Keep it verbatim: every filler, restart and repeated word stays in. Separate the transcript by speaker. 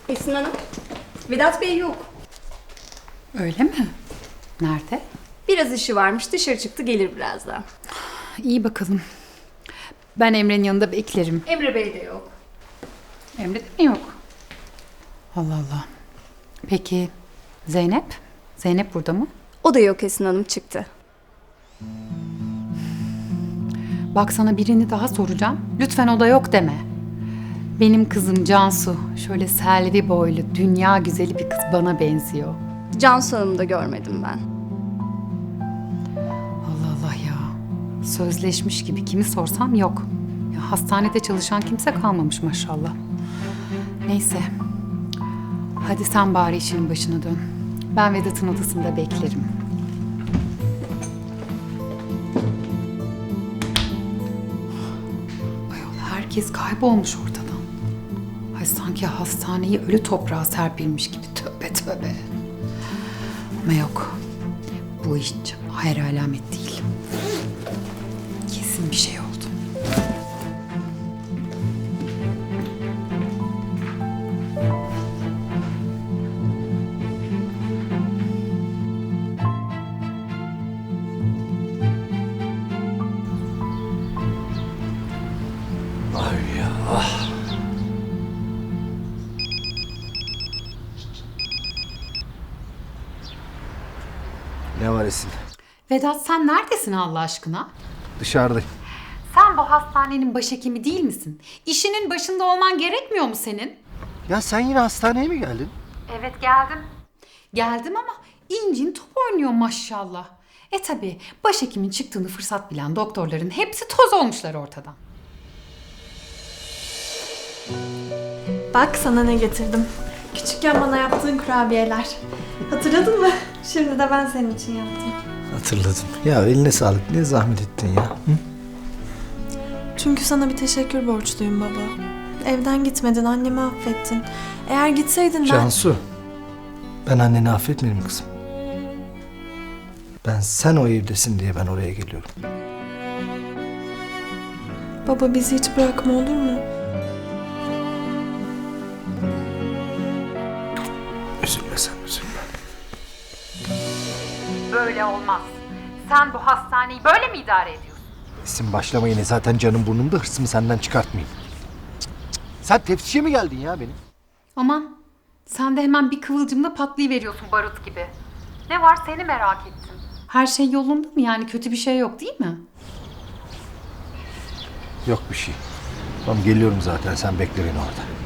Speaker 1: Esin Hanım, Vedat Bey yok.
Speaker 2: Öyle mi? Nerede?
Speaker 1: Biraz işi varmış, dışarı çıktı, gelir birazdan.
Speaker 2: İyi bakalım. Ben Emre'nin yanında beklerim.
Speaker 1: Emre Bey de yok.
Speaker 2: Emre de mi yok? Allah Allah. Peki Zeynep? Zeynep burada mı?
Speaker 1: O da yok, Esin Hanım çıktı.
Speaker 2: Bak sana birini daha soracağım. Lütfen o da yok deme. Benim kızım Cansu. Şöyle selvi boylu, dünya güzeli bir kız bana benziyor.
Speaker 1: Cansu Hanım'ı da görmedim ben.
Speaker 2: Allah Allah ya. Sözleşmiş gibi kimi sorsam yok. Ya hastanede çalışan kimse kalmamış maşallah. Neyse. Hadi sen bari işinin başına dön. Ben Vedat'ın odasında beklerim. Ayol herkes kaybolmuş ortadan. Ay sanki hastaneyi ölü toprağa serpilmiş gibi. Tövbe tövbe. Ama yok. Bu hiç hayır alamet değil. Kesin bir şey oldu.
Speaker 3: Ay ya. Ne var Esin?
Speaker 2: Vedat sen neredesin Allah aşkına?
Speaker 3: Dışarıdayım.
Speaker 2: Sen bu hastanenin başhekimi değil misin? İşinin başında olman gerekmiyor mu senin?
Speaker 3: Ya sen yine hastaneye mi geldin?
Speaker 2: Evet geldim. Geldim ama incin top oynuyor maşallah. E tabi başhekimin çıktığını fırsat bilen doktorların hepsi toz olmuşlar ortadan.
Speaker 4: Bak sana ne getirdim. Küçükken bana yaptığın kurabiyeler. Hatırladın mı? Şimdi de ben senin için yaptım.
Speaker 3: Hatırladım. Ya eline sağlık. Ne zahmet ettin ya. Hı?
Speaker 4: Çünkü sana bir teşekkür borçluyum baba. Evden gitmedin, annemi affettin. Eğer gitseydin ben...
Speaker 3: Cansu. Ben anneni affetmedim kızım. Ben sen o evdesin diye ben oraya geliyorum.
Speaker 4: Baba bizi hiç bırakma olur mu?
Speaker 3: Üzülme sen, üzülme.
Speaker 2: Böyle olmaz. Sen bu hastaneyi böyle mi idare ediyorsun?
Speaker 3: Esin başlama yine. Zaten canım burnumda, hırsımı senden çıkartmayayım. Cık, cık. Sen teftişe mi geldin ya benim?
Speaker 2: Aman sen de hemen bir kıvılcımla patlayıveriyorsun barut gibi. Ne var seni merak ettim. Her şey yolunda mı yani kötü bir şey yok değil mi?
Speaker 3: Yok bir şey. Tamam geliyorum zaten. Sen bekle beni orada.